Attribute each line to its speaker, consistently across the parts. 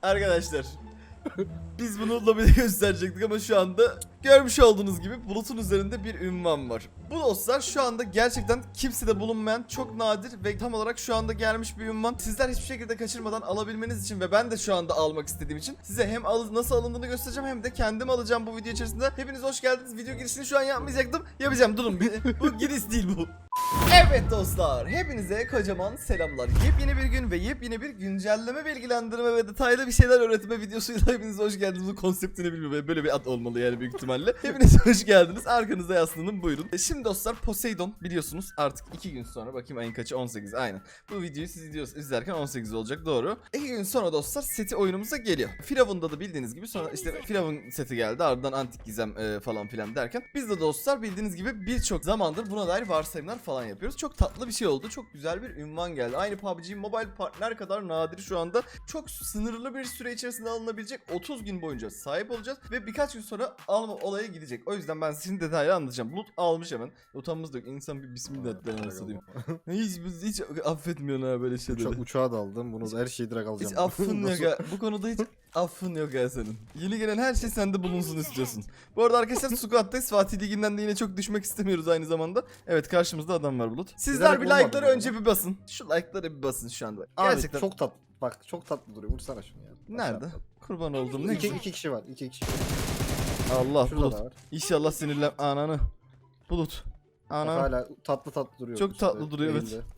Speaker 1: Arkadaşlar biz bunu lobide gösterecektik ama şu anda görmüş olduğunuz gibi bulutun üzerinde bir ünvan var. Bu dostlar şu anda gerçekten kimsede bulunmayan çok nadir ve tam olarak şu anda gelmiş bir ünvan. Sizler hiçbir şekilde kaçırmadan alabilmeniz için ve ben de şu anda almak istediğim için size hem nasıl alındığını göstereceğim hem de kendim alacağım bu video içerisinde. Hepiniz hoş geldiniz. Video girişini şu an yapmayacaktım. Yapacağım, durun. Bu giriş değil bu. Evet dostlar, hepinize kocaman selamlar. Yepyeni bir gün ve yepyeni bir güncelleme, bilgilendirme ve detaylı bir şeyler öğretme videosuyla hepiniz hoş geldiniz. Bu konseptini bilmiyorum, böyle bir ad olmalı yani büyük ihtimalle. Hepiniz hoş geldiniz. Arkanıza yaslanın, buyurun. Şimdi dostlar, Poseidon biliyorsunuz artık 2 gün sonra, bakayım ayın kaçı, 18 aynen. Bu videoyu siz izlerken 18 olacak, doğru. 2 gün sonra dostlar seti oyunumuza geliyor. Firavun'da da bildiğiniz gibi sonra işte Firavun seti geldi, ardından Antik Gizem falan filan derken biz de dostlar bildiğiniz gibi birçok zamandır buna dair varsayımlar falan yapıyoruz. Çok tatlı bir şey oldu. Çok güzel bir ünvan geldi. Aynı PUBG Mobile partner kadar nadir şu anda. Çok sınırlı bir süre içerisinde alınabilecek 30 gün boyunca sahip olacağız ve birkaç gün sonra alma olayı gidecek. O yüzden ben sizin detaylı anlatacağım. Bulut almış hemen. Utanmamız da yok. İnsan bir bismillah denmesi hiç affetmiyorsun ha böyle şeyleri.
Speaker 2: Uçağa daldım. Bunu her şeyi direkt alacağım.
Speaker 1: Hiç affın yok ya. Bu konuda hiç affın yok ya senin. Yeni gelen her şey sende bulunsun istiyorsun. Bu arada arkadaşlar Squad'dayız. Fatih Ligi'nden de yine çok düşmek istemiyoruz aynı zamanda. Evet, karşımızda adam var Bulut. Sizler bir like'ları önce bir basın. Şu like'ları bir basın şu anda.
Speaker 2: Abi
Speaker 1: gerçekten
Speaker 2: çok tatlı. Bak çok tatlı duruyor. Vursana şunu ya.
Speaker 1: nerede? Kurban oldum. Ne güzel.
Speaker 2: İki kişi var. İki kişi.
Speaker 1: Allah
Speaker 2: Şurada
Speaker 1: Bulut.
Speaker 2: da var.
Speaker 1: İnşallah sinirlen ananı. Bulut.
Speaker 2: Bak,
Speaker 1: Ananı.
Speaker 2: hala tatlı duruyor.
Speaker 1: Çok
Speaker 2: işte,
Speaker 1: tatlı duruyor, evet.
Speaker 2: eğildi.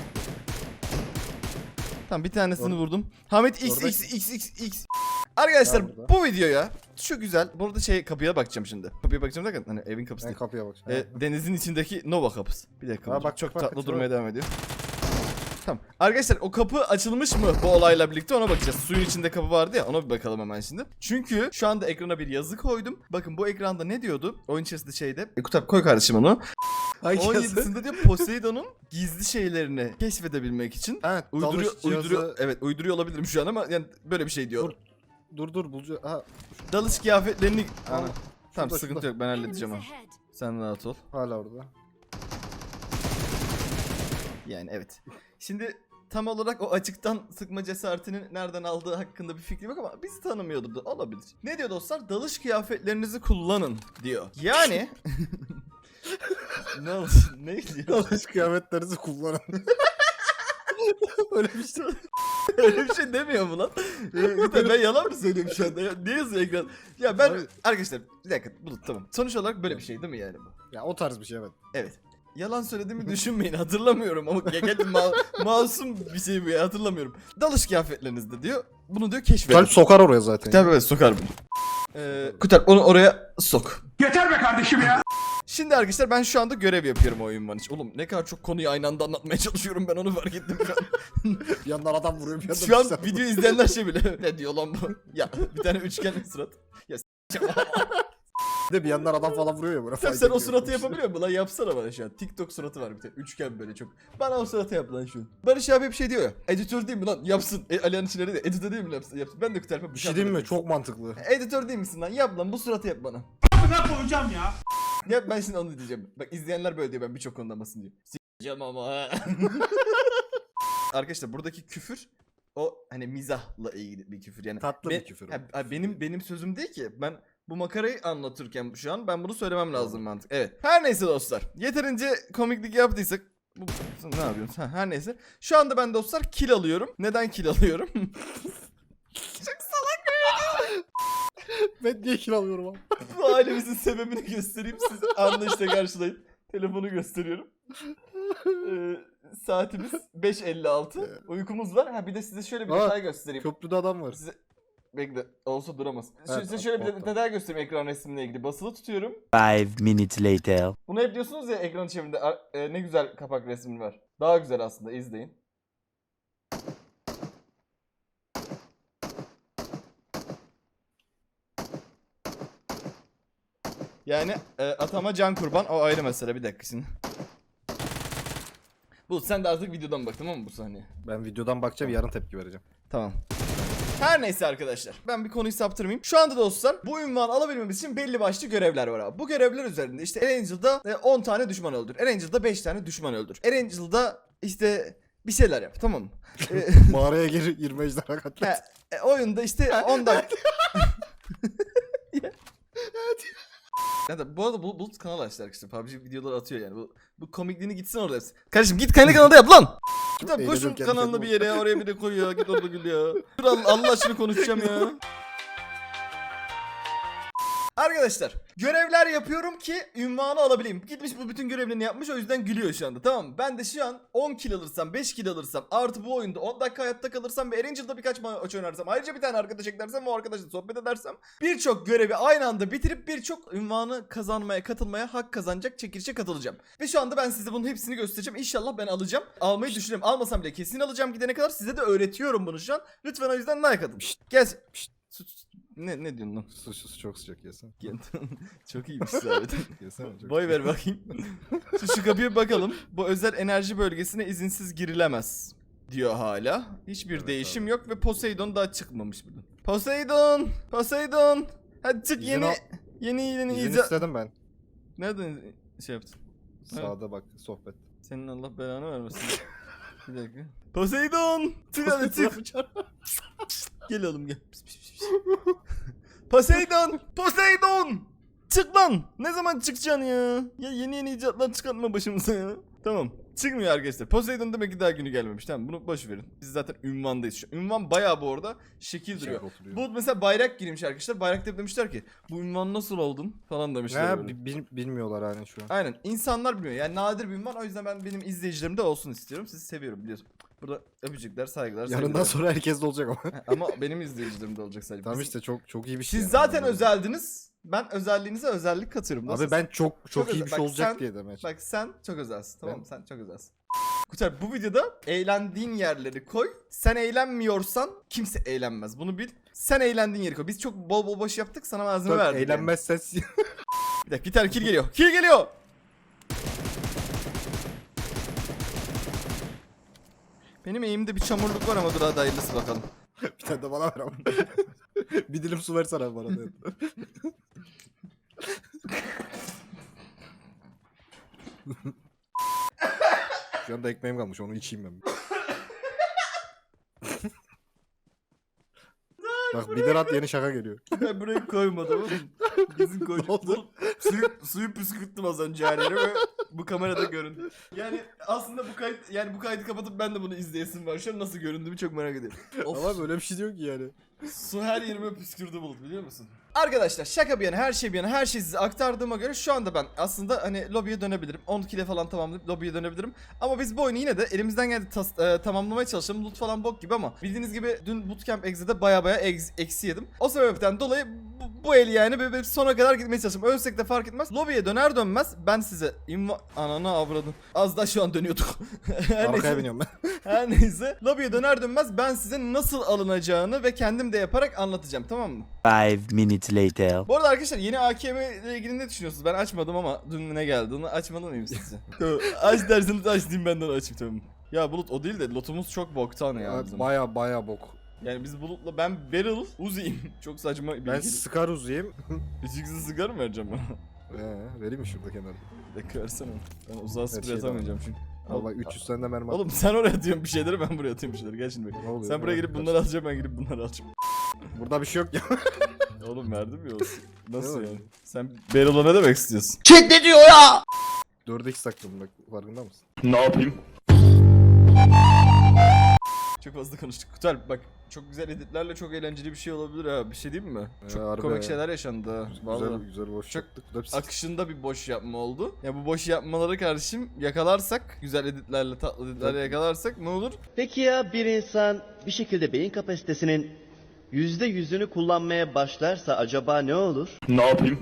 Speaker 1: Tamam, bir tanesini
Speaker 2: Orada.
Speaker 1: vurdum. Hamit
Speaker 2: Orada.
Speaker 1: XXXX. Arkadaşlar
Speaker 2: Ya burada.
Speaker 1: bu videoya şu güzel. Burada kapıya bakacağım şimdi. Kapıya bakacağım derken hani evin kapısı
Speaker 2: Ben
Speaker 1: değil.
Speaker 2: kapıya bak.
Speaker 1: Denizin içindeki Nova kapısı. Bir dakika.
Speaker 2: Ha, bak,
Speaker 1: çok
Speaker 2: bak,
Speaker 1: tatlı
Speaker 2: bak,
Speaker 1: durmaya devam ediyor. Tamam. Arkadaşlar o kapı açılmış mı bu olayla birlikte, ona bakacağız. Suyun içinde kapı vardı ya, ona bir bakalım hemen şimdi. Çünkü şu anda ekrana bir yazı koydum. Bakın bu ekranda ne diyordu? Oyun içerisinde şeyde. Kutab koy kardeşim onu. 17'sinde diyor Poseidon'un gizli şeylerini keşfedebilmek için
Speaker 2: Evet,
Speaker 1: uyduruyor olabilirim şu an ama yani böyle bir şey diyor.
Speaker 2: Dur bulcu. Ha,
Speaker 1: Dalış kıyafetlerini
Speaker 2: Tamam.
Speaker 1: tamam,
Speaker 2: Şurada,
Speaker 1: sıkıntı
Speaker 2: şurada.
Speaker 1: yok, ben halledeceğim onu. Sen rahat ol.
Speaker 2: hala orada.
Speaker 1: Yani evet. Şimdi tam olarak o açıktan sıkma cesaretinin nereden aldığı hakkında bir fikrim yok ama bizi tanımıyordu da olabilir. Ne diyor dostlar? Dalış kıyafetlerinizi kullanın diyor. Yani ne oldu? Ne diyor?
Speaker 2: Dalış kıyafetlerinizi kullanın. Öyle bir şey.
Speaker 1: Öyle bir şey demiyor mu lan? Ben yalan mı söylüyorum şu anda? Niye yazıyor ekran? Ya ben
Speaker 2: Abi.
Speaker 1: arkadaşlar bir dakika, Bulut, tamam. Sonuç olarak böyle bir şey değil mi yani bu?
Speaker 2: Ya o tarz bir şey, evet.
Speaker 1: Evet. Yalan söylediğimi düşünmeyin, hatırlamıyorum ama masum bir şey bu ya, hatırlamıyorum. Dalış kıyafetlerinizde diyor. Bunu diyor keşfedin.
Speaker 2: Kalp sokar oraya zaten.
Speaker 1: Tabii evet, sokar bunu. Kutar onu oraya sok.
Speaker 3: Yeter be kardeşim ya.
Speaker 1: Şimdi arkadaşlar ben şu anda görev yapıyorum o oyun için. Oğlum ne kadar çok konuyu aynı anda anlatmaya çalışıyorum, ben onu fark ettim şu an.
Speaker 2: Bir yandan adam vuruyor, bir yandan
Speaker 1: Şu an
Speaker 2: bir
Speaker 1: video izleyenler şey bile ne diyor lan bu? Ya bir tane üçgen surat. Ya
Speaker 2: de bir yandan adam falan vuruyor ya.
Speaker 1: sen o suratı yapabiliyor musun lan? Yapsana bana şu an. TikTok suratı var bir tane. Üçgen böyle çok. Bana o suratı yap lan şu an. Barış abi bir şey diyor ya. Editör değil mi lan? Yapsın. Alihan içleri de editör değil mi yapsın? Ben de Kutarp'a
Speaker 2: Bir şey diyeyim mi? Çok mantıklı.
Speaker 1: Editör değil misin lan? Yap lan, bu suratı yap bana.
Speaker 3: Ne koyacağım ya?
Speaker 1: Ya ben şimdi onu diyeceğim. Bak izleyenler böyle diyor, ben birçok konuda basın diyor. S**eceğim ama. Arkadaşlar buradaki küfür o hani mizahla ilgili bir küfür yani.
Speaker 2: Tatlı bir küfür.
Speaker 1: Benim sözüm değil ki. Ben bu makarayı anlatırken şu an ben bunu söylemem lazım mantık. Evet. Her neyse dostlar. Yeterince komiklik yaptıysak ne yapıyorsun? Her neyse. Şu anda ben dostlar kill alıyorum. Neden kill alıyorum?
Speaker 2: Ben niye kill alıyorum abi?
Speaker 1: Bu ailemizin sebebini göstereyim. Siz anlayışla karşılayın. Telefonu gösteriyorum. Saatimiz 5:56. Uykumuz var. Ha bir de size şöyle bir
Speaker 2: Aa,
Speaker 1: detay göstereyim.
Speaker 2: Köprüde adam var.
Speaker 1: Size... Bekle. Olsa duramaz.
Speaker 2: Evet,
Speaker 1: Size şöyle bir
Speaker 2: orta.
Speaker 1: detay göstereyim ekran resmine ilgili. Basılı tutuyorum.
Speaker 4: 5 minutes later.
Speaker 1: Bunu hep diyorsunuz ya ekran çevirinde. Ne güzel kapak resmin var. Daha güzel aslında. İzleyin. Yani atama can kurban, o ayrı mesele. Bir dakika şimdi. Bu sen de artık videodan bak, tamam mı bu sahneye?
Speaker 2: Ben videodan bakacağım, yarın tepki vereceğim.
Speaker 1: Tamam. Her neyse arkadaşlar, ben bir konuyu saptırmayayım. Şu anda dostlar bu ünvanı alabilmemiz için belli başlı görevler var abi. Bu görevler üzerinde işte Erangel'da 10 tane düşman öldür. Erangel'da 5 tane düşman öldür. Erangel'da işte bir şeyler yap, tamam mı?
Speaker 2: Mağaraya geri 20 ejderha katlet.
Speaker 1: Oyunda işte 10 dakika. Bu arada Bulut kanal açtı arkadaşlar. PUBG videoları atıyor yani. Bu komikliğini gitsin orada hepsi. Kardeşim git kendi kanalda yap lan. Git abi, koşun
Speaker 2: Eğleniyorum kendi
Speaker 1: kanalını
Speaker 2: kendime.
Speaker 1: bir yere ya, oraya bir de koy ya. Git orada gül ya. Dur Allah aşkına konuşacağım ya. Arkadaşlar görevler yapıyorum ki ünvanı alabileyim. Gitmiş bu bütün görevlerini yapmış, o yüzden gülüyor şu anda, tamam mı? Ben de şu an 10 kill alırsam, 5 kill alırsam, artı bu oyunda 10 dakika hayatta kalırsam ve Erangel'da birkaç maç oynarsam, ayrıca bir tane arkadaş eklersem ve o arkadaşla sohbet edersem, birçok görevi aynı anda bitirip birçok ünvanı kazanmaya, katılmaya hak kazanacak çekilişe katılacağım. Ve şu anda ben size bunun hepsini göstereceğim. İnşallah ben alacağım. Almayı düşünüyorum. Almasam bile kesin alacağım gidene kadar. Size de öğretiyorum bunu şu an. Lütfen o yüzden like atın. Gel. Ne diyorsun lan?
Speaker 2: Sus çok sıcak yesene.
Speaker 1: Çok iyiymiş zaten.
Speaker 2: Yesene çok.
Speaker 1: Boy ver bakayım. Şu kapıya bir bakalım. Bu özel enerji bölgesine izinsiz girilemez diyor hala. Hiçbir
Speaker 2: Evet,
Speaker 1: değişim
Speaker 2: abi.
Speaker 1: yok ve Poseidon daha çıkmamış buradan. Poseidon! Poseidon! Hadi çık,
Speaker 2: İzin
Speaker 1: yeni
Speaker 2: al.
Speaker 1: yeni
Speaker 2: İzin
Speaker 1: icat.
Speaker 2: istedim ben.
Speaker 1: Nereden şey yaptın?
Speaker 2: Sağda bak sohbet.
Speaker 1: Senin Allah belanı vermesin. Bir dakika. Poseidon! Çık hadi çık. Gel oğlum gel. Pis, pis, pis, pis. Poseidon! Poseidon! Çık lan! Ne zaman çıkacaksın ya? Ya yeni icatlar çıkartma başımıza ya. Tamam. Çıkmıyor arkadaşlar. Poseidon demek ki daha günü gelmemiş. Tamam, bunu boş verin. Biz zaten ünvandayız şu an. Ünvan bayağı bu arada şekil duruyor.
Speaker 2: Oturuyor.
Speaker 1: Bu mesela bayrak girmiş arkadaşlar. Bayrakta hep demişler ki bu ünvan nasıl oldun falan demişler.
Speaker 2: Ne
Speaker 1: böyle.
Speaker 2: bilmiyorlar hani şu an.
Speaker 1: Aynen. İnsanlar bilmiyor. Yani nadir bir ünvan. O yüzden ben benim izleyicilerim de olsun istiyorum. Sizi seviyorum biliyorsun. Burada öpücükler, saygılar,
Speaker 2: Yarından
Speaker 1: sevgiler.
Speaker 2: sonra herkes de olacak ama.
Speaker 1: Ama benim izleyicilerim de olacak sadece.
Speaker 2: Tamam
Speaker 1: Biz-
Speaker 2: işte çok iyi bir şey.
Speaker 1: Siz
Speaker 2: yani.
Speaker 1: zaten
Speaker 2: Anladım.
Speaker 1: özeldiniz. Ben özelliğinize özellik katıyorum.
Speaker 2: Abi
Speaker 1: Nasıl?
Speaker 2: ben çok iyi
Speaker 1: özel.
Speaker 2: bir şey
Speaker 1: Bak
Speaker 2: olacak
Speaker 1: sen-
Speaker 2: diye demek.
Speaker 1: Bak sen çok özelsin, tamam mı?
Speaker 2: Ben-
Speaker 1: Sen çok özelsin. Kutay, bu videoda eğlendiğin yerleri koy. Sen eğlenmiyorsan kimse eğlenmez. Bunu bil. Sen eğlendiğin yeri koy. Biz çok bol bol boş yaptık, sana malzeme
Speaker 2: Bak,
Speaker 1: verdik. yani.
Speaker 2: eğlenmezsen
Speaker 1: Bir dakika, bir tane kill geliyor. Kill geliyor. Benim eğimde bir çamurluk var ama dur hadi hayırlısı bakalım.
Speaker 2: bir tane de bana ver ama. bir dilim su versene bana. da. Şu anda ekmeğim kalmış onu içeyim ben. Bak bir de rahat yeni şaka geliyor.
Speaker 1: Ben burayı koymadım oğlum. Bizim
Speaker 2: Ne
Speaker 1: koyduk.
Speaker 2: oldu?
Speaker 1: Suyu püskürttüm az önce her yere ve bu kamerada göründü. Yani aslında bu kaydı kapatıp ben de bunu izleyesim var. Şu an nasıl göründüğümü çok merak ediyorum. Of.
Speaker 2: Ama böyle bir şey diyor ki yani.
Speaker 1: Su her yerime püskürdü Bulut, biliyor musun? Arkadaşlar şaka bir yana, her şey bir yana, her şeyi size aktardığıma göre şu anda ben aslında hani lobiye dönebilirim. 10 kile falan tamamlayıp lobiye dönebilirim. Ama biz bu oyunu yine de elimizden geldi tamamlamaya çalışalım. Loot falan bok gibi ama bildiğiniz gibi dün Bootcamp Exe'de baya eksi yedim. O sebepten dolayı bu el yani böyle sona kadar gitmeye çalıştım. Ölsek de fark etmez. Lobiye döner dönmez ben size ananı avradım. Az da şu an dönüyorduk. Her
Speaker 2: Arkaya
Speaker 1: neyse.
Speaker 2: biniyorum ben.
Speaker 1: Her neyse. Lobiye döner dönmez ben size nasıl alınacağını ve kendim de yaparak anlatacağım, tamam mı?
Speaker 4: 5 minutes later.
Speaker 1: Bu arada arkadaşlar yeni AKM ile ilgili ne düşünüyorsunuz? Ben açmadım ama dün ne geldi onu açmalı mıyım size? Aç derseniz aç diyeyim, benden açayım tamam. Ya Bulut o değil de lotumuz çok boktan ya bizim.
Speaker 2: Baya bok.
Speaker 1: Yani biz Bulut'la ben Beryl Uzi'yim. Çok saçma bir
Speaker 2: Ben Scar uzayayım.
Speaker 1: Üçüksüz sigara mı vereceğim ben?
Speaker 2: Vereyim mi şurada kenarda?
Speaker 1: Bir dakika versene. Ben uzağa sprey
Speaker 2: şey
Speaker 1: atamayacağım çünkü.
Speaker 2: Al bak 300 tane de mermi at.
Speaker 1: Oğlum sen oraya atıyorsun bir şeyleri, ben buraya atıyorum bir şeyleri. Gel şimdi bak.
Speaker 2: Ne oluyor?
Speaker 1: Sen buraya gelip bunları alacaksın, ben gelip bunları alacağım.
Speaker 2: Burada bir şey yok ya.
Speaker 1: Oğlum verdim ya olsun. Nasıl
Speaker 2: Ne
Speaker 1: yani?
Speaker 2: var?
Speaker 1: Sen Beryl'a ne demek istiyorsun?
Speaker 2: 4x sakladım bak farkında mısın?
Speaker 3: Ne yapayım?
Speaker 1: Çok fazla konuştuk. Kutal bak, çok güzel editlerle çok eğlenceli bir şey olabilir ha. Bir şey değil mi? Çok
Speaker 2: harbi
Speaker 1: komik
Speaker 2: ya.
Speaker 1: şeyler yaşandı ha. Vallahi.
Speaker 2: Güzel boş
Speaker 1: Çok
Speaker 2: yaptık. Bu da bir
Speaker 1: Akışında bir boş yapma oldu. Ya bu boş yapmaları kardeşim yakalarsak, güzel editlerle, tatlı editlerle
Speaker 2: Tabii.
Speaker 1: yakalarsak ne olur?
Speaker 5: Peki ya bir insan bir şekilde beyin kapasitesinin %100'ünü kullanmaya başlarsa acaba ne olur?
Speaker 3: Ne yapayım?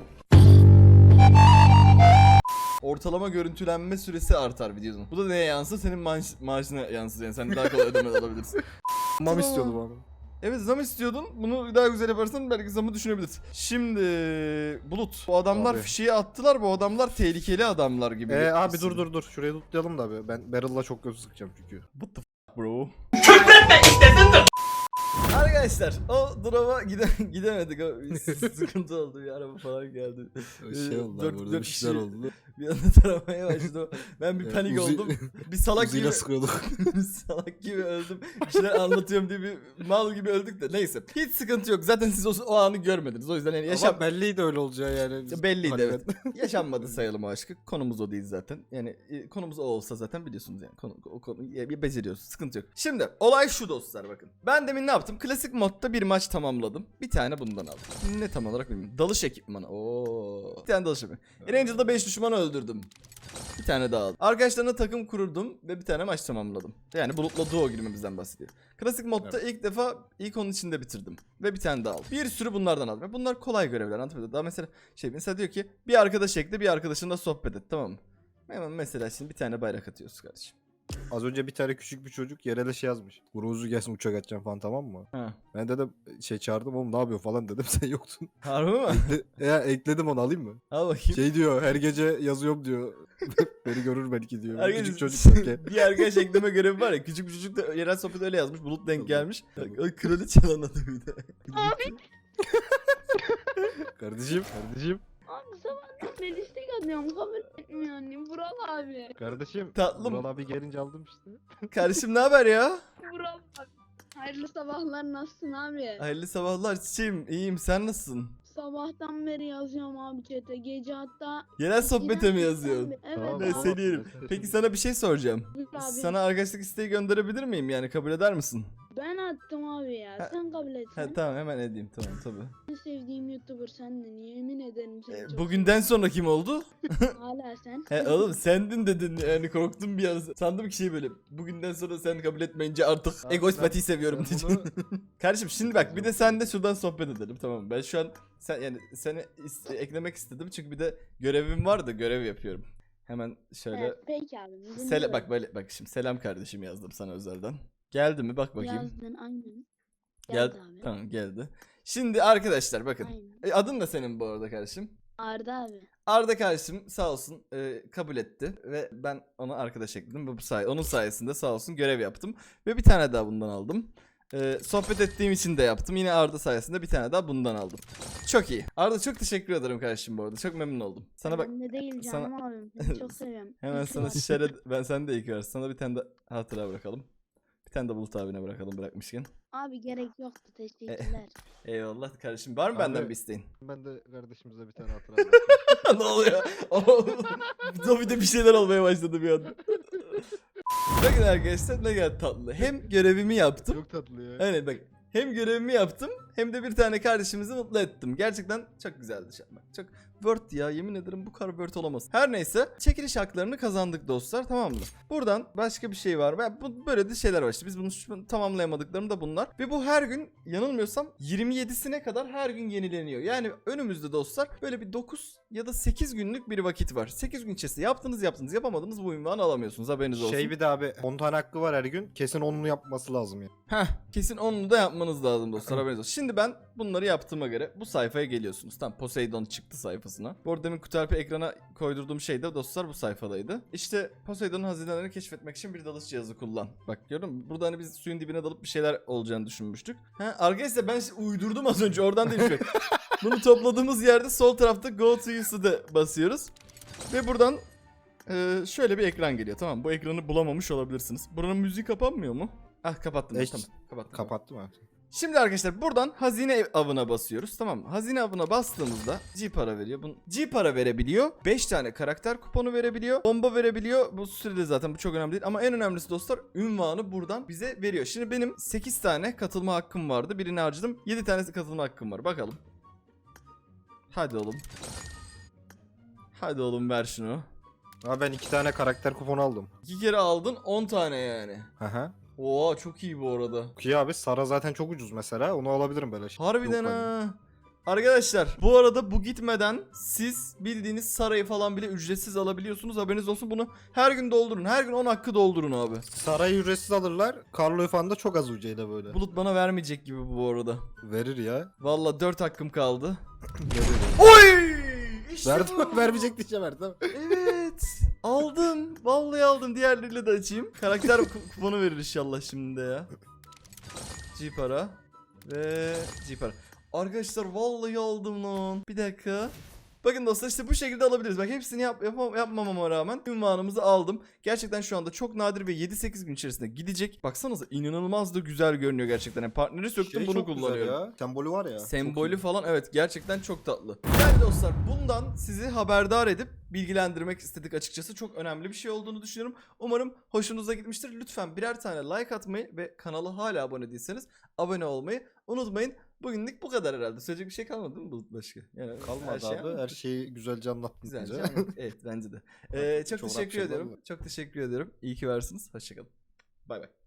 Speaker 1: Ortalama görüntülenme süresi artar videonun. Bu da neye yansır? Senin maaşına yansır yani. Sen daha kolay ödeme alabilirsin.
Speaker 2: Mam istiyordu bana.
Speaker 1: Evet, zam istiyordun. Bunu daha güzel yaparsan belki zamı düşünebilirsin. Şimdi Bulut, bu adamlar
Speaker 2: Abi.
Speaker 1: fişeği attılar. Bu adamlar tehlikeli adamlar gibi.
Speaker 2: Abi dur. Şurayı tutlayalım da abi. Ben Barrel'la çok göz sıkacağım çünkü.
Speaker 1: What the f*** bro? Arkadaşlar o drop'a gidemedik. O sıkıntı oldu. Bir araba falan geldi.
Speaker 2: Şey oldu abi, burada bir şeyler oldu.
Speaker 1: Bir anda taramaya başladı. Ben bir panik
Speaker 2: Uzi-
Speaker 1: oldum. Bir salak gibi
Speaker 2: Uzi'yle sıkıyorduk.
Speaker 1: bir salak gibi öldüm. Bir şeyler anlatıyorum diye bir mal gibi öldük de neyse. Hiç sıkıntı yok. Zaten siz o anı görmediniz. O yüzden yani
Speaker 2: Yaşam belliydi öyle olacağı yani.
Speaker 1: belliydi evet. Yaşanmadı sayalım o aşkı. Konumuz o değil zaten. Yani konumuz o olsa zaten biliyorsunuz yani. O konu beceriyoruz. Sıkıntı yok. Şimdi olay şu dostlar bakın. Ben demin ne yaptım? Klasik modda bir maç tamamladım. Bir tane bundan aldım. Ne tam olarak bilmiyorum. Dalış ekipmanı. Oo. Bir tane dalış ekipmanı. Ranger'da 5 düşmanı öldürdüm. Bir tane daha aldım. Arkadaşlarına takım kururdum ve bir tane maç tamamladım. Yani Bulut'la duo girmemizden bahsediyor. Klasik modda ilk onun içinde bitirdim. Ve bir tane daha aldım. Bir sürü bunlardan aldım. Bunlar kolay görevler, anlatabiliyor. Daha mesela diyor ki bir arkadaş ekle, bir arkadaşınla sohbet et, tamam mı? Hemen mesela şimdi bir tane bayrak atıyoruz kardeşim.
Speaker 2: Az önce bir tane küçük bir çocuk yere de şey yazmış. Guruzu gelsin uçak atacağım falan, tamam mı?
Speaker 1: Ha.
Speaker 2: Ben dedim çağırdım, oğlum ne yapıyor falan dedim, sen yoktun.
Speaker 1: Harbi mi?
Speaker 2: Ekledim, onu alayım mı?
Speaker 1: Al bakayım.
Speaker 2: Şey diyor, her gece yazıyorum diyor. Beni görür belki diyor.
Speaker 1: Arkadaş-
Speaker 2: Küçük çocuk derken.
Speaker 1: bir arkadaş ekleme görevi var ya. Küçük bir çocuk da yerel sohbet öyle yazmış. Bulut denk gelmiş. O kraliçe lan adı bir de.
Speaker 2: Kardeşim.
Speaker 6: Abi sabahtan beri istek atıyorum kabul etmiyor annem. Vural abi.
Speaker 7: Kardeşim,
Speaker 1: Tatlım.
Speaker 7: Vural abi gelince aldım işte.
Speaker 1: Kardeşim ne haber ya?
Speaker 6: Vural abi. Hayırlı sabahlar, nasılsın abi?
Speaker 1: Hayırlı sabahlar çiçeğim. İyiyim, sen nasılsın?
Speaker 6: Sabahtan beri yazıyorum abi chat'e. Gece hatta...
Speaker 1: Yerel sohbete mi yazıyorsun?
Speaker 6: Evet
Speaker 7: Tamam,
Speaker 1: Ne
Speaker 6: abi.
Speaker 1: seni yerim. Peki sana bir şey soracağım.
Speaker 6: Buyur abi.
Speaker 1: Sana arkadaşlık isteği gönderebilir miyim, yani kabul eder misin?
Speaker 6: Ben attım abi ya.
Speaker 1: Ha-
Speaker 6: Sen kabul etsen.
Speaker 1: He tamam, hemen edeyim, tamam tabii.
Speaker 6: En sevdiğim YouTuber sendin. Yemin ederim seni çok
Speaker 1: Bugünden sonra kim oldu?
Speaker 6: seviyorum. Hala sen.
Speaker 1: He oğlum sendin dedin, yani korktum bir an. Sandım ki şey böyle, bugünden sonra sen kabul etmeyince artık
Speaker 7: Abi
Speaker 1: egoist
Speaker 7: ben-
Speaker 1: patiyi seviyorum
Speaker 7: ben
Speaker 1: diyeceğim.
Speaker 7: bunu-
Speaker 1: Kardeşim şimdi bak, bir de sen de şuradan sohbet edelim, tamam mı? Ben şu an seni eklemek istedim çünkü bir de görevim var da görev yapıyorum. Hemen şöyle
Speaker 6: Evet, peki abi. dinliyorum.
Speaker 1: bak şimdi selam kardeşim yazdım sana özelden. Geldi mi bak bakayım.
Speaker 6: Yazdın aynen.
Speaker 1: Geldi.
Speaker 6: Geldi abi.
Speaker 1: Tamam geldi. Şimdi arkadaşlar bakın.
Speaker 6: Aynen.
Speaker 1: Adın da senin bu arada kardeşim.
Speaker 6: Arda abi.
Speaker 1: Arda kardeşim sağ olsun kabul etti ve ben ona arkadaş ekledim ve onun sayesinde sağ olsun görev yaptım ve bir tane daha bundan aldım. Sohbet ettiğim için de yaptım. Yine Arda sayesinde bir tane daha bundan aldım. Çok iyi. Arda çok teşekkür ederim kardeşim bu arada. Çok memnun oldum. Sana bak,
Speaker 6: Ben de değil
Speaker 1: sana-
Speaker 6: canım abim. Seni çok seviyorum.
Speaker 1: hemen
Speaker 6: İyi ki
Speaker 1: sana
Speaker 6: varsın.
Speaker 1: şişere ben sen de iyi ki varsın. Sana bir tane de hatıra bırakalım. Bir tane de Bulut abine bırakalım bırakmışken.
Speaker 6: Abi gerek yoktu, teşekkürler.
Speaker 1: Eyvallah kardeşim. Var mı
Speaker 7: Abi-
Speaker 1: benden bir isteğin?
Speaker 7: Ben de kardeşimize bir tane hatıra bırakayım.
Speaker 1: Ne oluyor? Zombi'de bir şeyler olmaya başladı bir anda. Bakın arkadaşlar ne kadar tatlı. Hem görevimi yaptım.
Speaker 7: Çok tatlı ya.
Speaker 1: Aynen bak. Hem görevimi yaptım hem de bir tane kardeşimizi mutlu ettim. Gerçekten çok güzeldi şu an. Bak, çok Word ya, yemin ederim bu kadar Word olamaz. Her neyse çekiliş haklarını kazandık dostlar, tamam mı? Buradan başka bir şey var. Böyle de şeyler var işte. Biz bunu tamamlayamadıklarım da bunlar. Ve bu her gün yanılmıyorsam 27'sine kadar her gün yenileniyor. Yani önümüzde dostlar böyle bir 9 ya da 8 günlük bir vakit var. 8 gün içerisinde yaptınız yapamadınız bu ünvanı alamıyorsunuz, haberiniz olsun.
Speaker 2: Şey bir de abi 10 tane hakkı var her gün. Kesin 10'unu yapması lazım ya.
Speaker 1: Heh, kesin onu da yapmanız lazım dostlar, haberiniz olsun. Şimdi ben bunları yaptığıma göre bu sayfaya geliyorsunuz. Tam Poseidon çıktı sayfasına. Bu arada demin Kutalp'i ekrana koydurduğum şey de dostlar bu sayfadaydı. İşte Poseidon'un hazinelerini keşfetmek için bir dalış cihazı kullan. Bak gördün mü? Burada hani biz suyun dibine dalıp bir şeyler olacağını düşünmüştük. Ha, arkadaşlar ben uydurdum az önce, oradan değil. Bunu topladığımız yerde sol tarafta Go to Use'de basıyoruz. Ve buradan şöyle bir ekran geliyor, tamam mı? Bu ekranı bulamamış olabilirsiniz. Buranın müziği kapanmıyor mu? Ah kapattım. Tamam kapattım.
Speaker 2: Kapattım abi.
Speaker 1: Şimdi arkadaşlar buradan hazine avına basıyoruz, tamam mı? Hazine avına bastığımızda G para veriyor. G para verebiliyor. 5 tane karakter kuponu verebiliyor. Bomba verebiliyor. Bu sürede zaten bu çok önemli değil. Ama en önemlisi dostlar, ünvanı buradan bize veriyor. Şimdi benim 8 tane katılma hakkım vardı. Birini harcadım. 7 tanesi katılma hakkım var. Bakalım. Hadi oğlum. Hadi oğlum ver şunu.
Speaker 2: Abi ben 2 tane karakter kuponu aldım.
Speaker 1: 2 kere aldın 10 tane yani.
Speaker 2: Aha.
Speaker 1: Oo çok iyi bu arada.
Speaker 2: Ki abi Sara zaten çok ucuz mesela. Onu alabilirim böyle.
Speaker 1: Harbiden
Speaker 2: Yok hani.
Speaker 1: ha. Arkadaşlar bu arada bu gitmeden siz bildiğiniz sarayı falan bile ücretsiz alabiliyorsunuz. Haberiniz olsun, bunu her gün doldurun. Her gün 10 hakkı doldurun abi.
Speaker 2: Sarayı ücretsiz alırlar. Carlo falan da çok az ucuyla böyle.
Speaker 1: Bulut bana vermeyecek gibi bu arada.
Speaker 2: Verir ya.
Speaker 1: Valla 4 hakkım kaldı.
Speaker 2: Verir.
Speaker 1: Oy! İşte
Speaker 2: Verdim
Speaker 1: bu.
Speaker 2: vermeyecek diyeceğim verdim.
Speaker 1: Evet. Aldım. Vallahi aldım. Diğerleriyle de açayım. Karakter kuponu verir inşallah şimdi de ya. G para. Ve Jeeper. Arkadaşlar vallahi aldım lan. Bir dakika. Bakın dostlar işte bu şekilde alabiliriz. Bak hepsini yapmamama rağmen ünvanımızı aldım. Gerçekten şu anda çok nadir ve 7-8 gün içerisinde gidecek. Baksanıza inanılmaz da güzel görünüyor gerçekten. Yani partneri söktüm bunu
Speaker 2: çok güzel
Speaker 1: kullanıyorum.
Speaker 2: ya. Sembolü var ya.
Speaker 1: Sembolü
Speaker 2: çok iyi.
Speaker 1: falan evet gerçekten çok tatlı. Yani dostlar bundan sizi haberdar edip bilgilendirmek istedik açıkçası. Çok önemli bir şey olduğunu düşünüyorum. Umarım hoşunuza gitmiştir. Lütfen birer tane like atmayı ve kanala hala abone değilseniz abone olmayı unutmayın. Bugünlük bu kadar herhalde. Söyleyecek bir şey kalmadı değil mi Bulut başka? Yani
Speaker 2: Kalmadı
Speaker 1: her şey
Speaker 2: abi. Her şeyi güzelce anlattın.
Speaker 1: güzelce
Speaker 2: bize.
Speaker 1: anladık. Evet bence de. Çok
Speaker 2: Çok
Speaker 1: teşekkür
Speaker 2: rahat
Speaker 1: ediyorum.
Speaker 2: şeyler
Speaker 1: Çok teşekkür ediyorum. İyi ki varsınız. Hoşçakalın. Bay bay.